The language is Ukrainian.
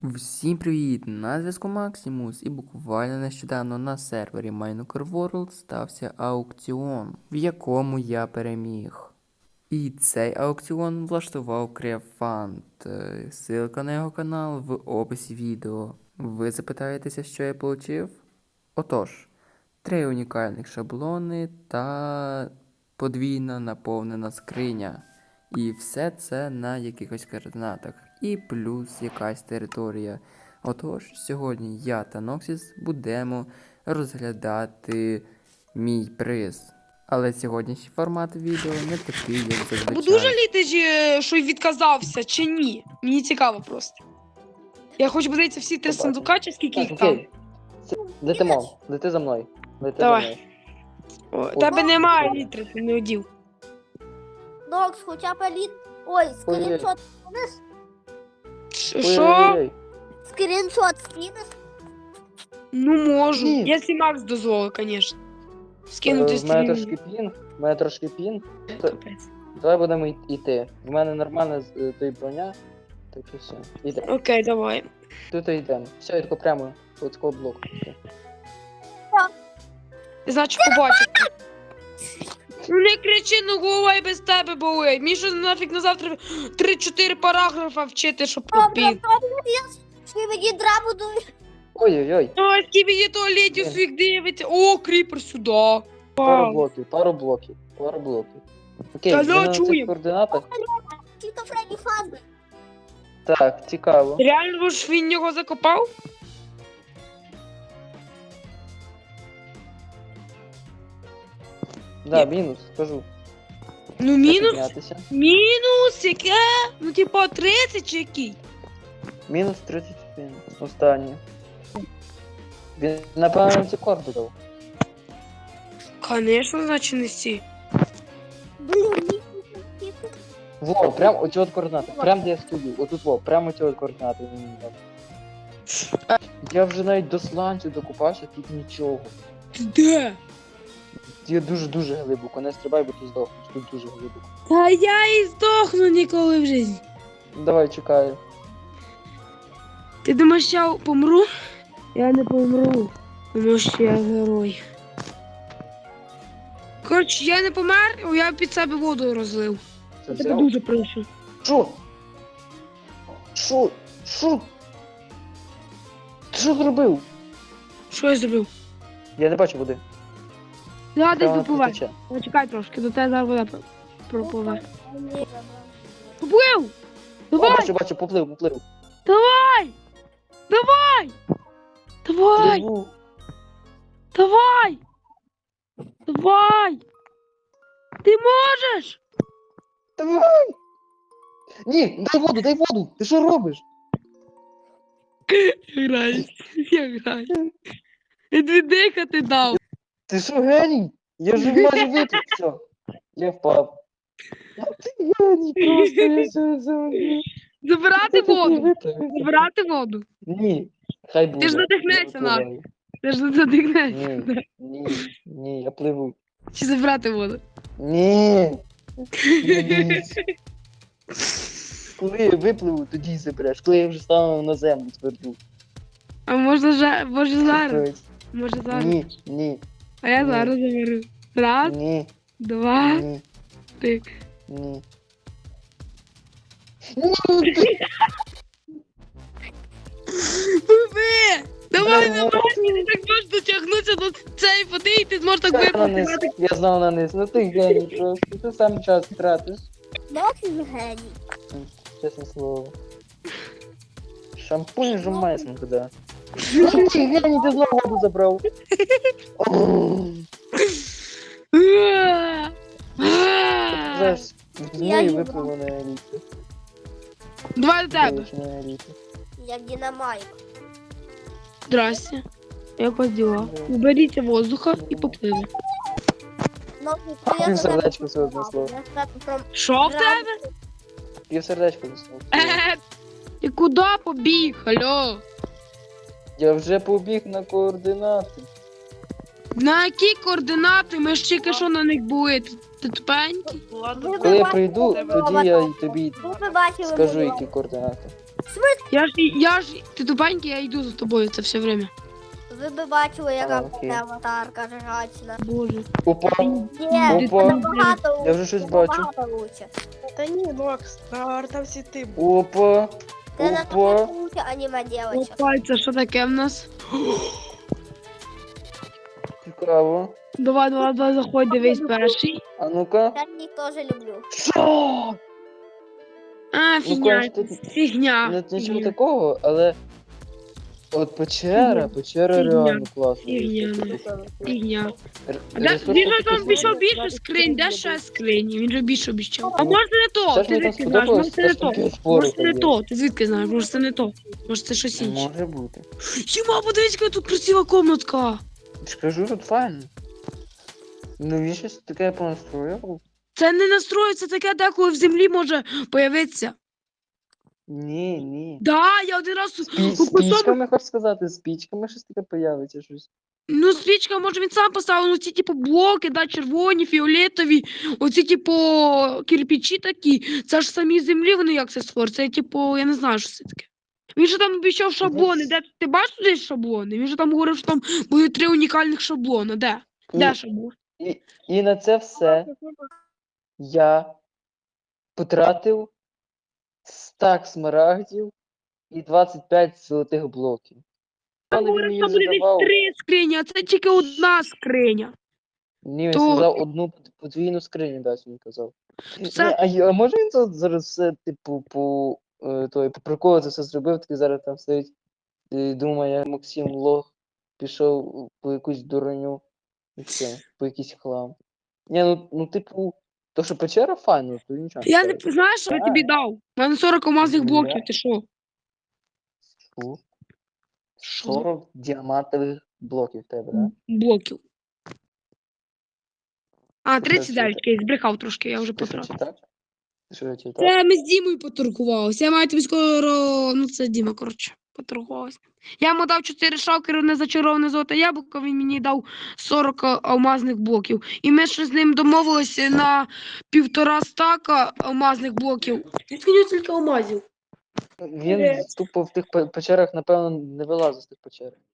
Всім привіт! На зв'язку Максимус, і буквально нещодавно на сервері Minecraft World стався аукціон, в якому я переміг. І цей аукціон влаштував Креафант. Ссылка на його канал в описі відео. Ви запитаєтеся, що я отримав? Отож, 3 унікальних шаблони та подвійна наповнена скриня. І все це на якихось координатах. І плюс якась територія. Отож, сьогодні я та Ноксіс будемо розглядати мій приз. Але сьогоднішній формат відео не такий, як зазвичай. Буду жаліти, що й відказався, чи ні? Мені цікаво просто. Я хочу подивитися всі три сундука, чи скільки їх там. Де ти мов? Де ти за мною? Де ти за Давай. мною? О, тебе немає літри, ти не одів. Нокс, хоча б Ой, скріншот скинеш? Що? Ой-ой-ой. Скріншот скинеш? Ну можу. Ні. Якщо Макс дозволить, звісно. Скинути В мене стрім. трошки пін. Капець. Давай будемо йти. В мене нормальна той броня. Так і все. Йде. Окей, давай. Тут і йдемо. Все, я тако прямо от цього блоку. Значить, побачити. Ну не кричи, ну голова і без тебе болить. Мені що нафіг на завтра 3-4 параграфа вчити, щоб попів. Я мені драбу дуй. Ой-ой-ой. Ой, скільки туалетів своїх дивиться. О, кріпер сюди. Пару блоків. Окей, Та ми на цих чуємо. координатах. Тіто Фредді Фазбер. Так, цікаво. Реально ж він його закопав? Да, мінус, скажу. Ну мінус. Піднятися. Мінус яке? Ну типа 30 чи який? Мінус 31. Останнє. Він, напевно, ці корди дав. Конечно, значить не сі. Блін, Во, прям оці от координати. Прям де я стою. Отут во, прямо оці от координати він мені дав. Я вже навіть до сланцю докупався, тут нічого. Ти де? Я дуже глибоко, не стрибай, бо ти здохнеш, тут дуже глибоко. Та я і здохну ніколи в житті. Давай, чекаю. Ти думаєш, я помру? Я не помру, тому що я герой. Коротше, я не помер, я під себе воду розлив. Це Я тебе взяв? дуже прошу. Що? Що? Ти що зробив? Що я зробив? Я не бачу води. Да, десь Прямо допливай. тече. Почекай трошки, до тебе зараз вода пропливе. ні. Поплив! О, Давай! бачу, поплив. Давай! Давай! Давай! Пливу. Давай! Давай! Ти можеш! Давай! Ні, дай воду! Ти що робиш? Я граю. Я тобі дихати дав. Ти що, геній? Я вже майже випив, все. Я впав. Ти геній, просто я все забув. Забирати воду. Забирати воду. Ні, хай буде. Ти ж задихнешся, Я нахуй. впливаю. Ти ж задихнешся. Ні, я пливу. Чи забирати воду? Ні. Ні. Коли я випливу, тоді забереш. Коли я вже стану на землю тверду. А може зараз? Може зараз. Ні. А я Ні. зараз заберу. Раз, Ні. два, Ні. три. Ні. Пливи! Давай, Ні. давай, ти так можеш дотягнутися до цієї води і ти зможеш так Я на низ. випити. Я знав на низ. Ну ти геній просто. Ти сам час тратиш. Нокс геній. Чесне слово. Шампунь же майсом куди. Ну ти геній, ти знову воду забрав. Знаєш, Я і не випливу на еліті. Давай до тебе. На еліті. Як динамайк. Здрасте. Як вас діла? Уберіть воздуха і попливи. Нокс, Пів сердечко все одне слово. Що в тебе? Пів сердечко заснув. Ти куди побіг? Алло? Я вже побіг на координати. На які координати? Ми ж тільки що на них були. Ти тупенький? Коли я прийду, тоді я й тобі Ви бачили скажу, мою які координати. Ти тупенький, я йду за тобою це все время. Ви би бачили, яка в окей. мене аватарка жрачна. Боже. Опа, Ні, Опа. набагато Я вже щось бачу. набагато лучше. Та ні, Макс, там всі ти був. опа, Це опа. набагато лучше аніме дівчинок. Опа, це що таке в нас? Цікаво. Давай, заходь, дивись перший. А ну-ка. Я їх теж люблю. Що? А, фігня, конечно, тут фігня. Нічого фігня. такого, але от печера Фігня. реально класна. Фігня. Фігня. А Ресурси він же такі там більше знаєш. більше скринь, де ще скрині? Він же більше обіцяв. А може не то? Щас Ти мені там звідки знаєш? Може сподобалось, це не аж то? таке спори Може це не є. то? Ти звідки знаєш? Може це не то? Може це щось інше? Може бути. Хіба подивись, яка тут красива комнатка. Скажу, тут файно. Ну він щось таке понастроював. Це не настрою, це таке деколи в землі може появитися. Ні. Да, я один раз З у кусок. пічками, хочеш сказати, з пічками щось таке появиться щось. Ну, свічка, може, він сам поставив, ну ці, типу, блоки, да, червоні, фіолетові, оці, типу, кирпичі такі, це ж самі землі, вони як це створюють, це, типу, я не знаю, що це таке. Він же там обіцяв шаблони, де, ти бачиш тут є шаблони? Він же там говорив, що там буде 3 унікальних шаблони, де? Де шаблон? І на це все я потратив стак смарагдів і 25 золотих блоків. Там Але він говорив, мені що буде задавав. десь 3 скрині, а це тільки одна скриня. Ні, він То- сказав одну подвійну скриню, дасть він казав. Це- Ні, а може він тут зараз все, типу, по приколу це все зробив, такий зараз там стоїть і думає, як Максим лох пішов по якусь дуроню і все, по якийсь хлам. Ні, ну типу, то що печера файна, то нічого. Я не скажеш. знаєш, що я тобі дав? У мене 40 алмазних блоків, ти що? Що? Що? 40 діамантових блоків в тебе, да? Блоків. А, Це 39, я збрехав трошки, я вже Ти що потратив. читав? Ти що читав? Це ми з Дімою поторгувалися. Я маю тобі скоро. Ну, це Діма, коротше, поторгувалися. Я йому дав 4 шалкери на зачароване золоте яблуко, він мені дав 40 алмазних блоків. І ми ще з ним домовилися на 1,5 стака алмазних блоків. Звідки у нього тільки алмазів? Він тупо в тих печерах, напевно, не вилазив з тих печер.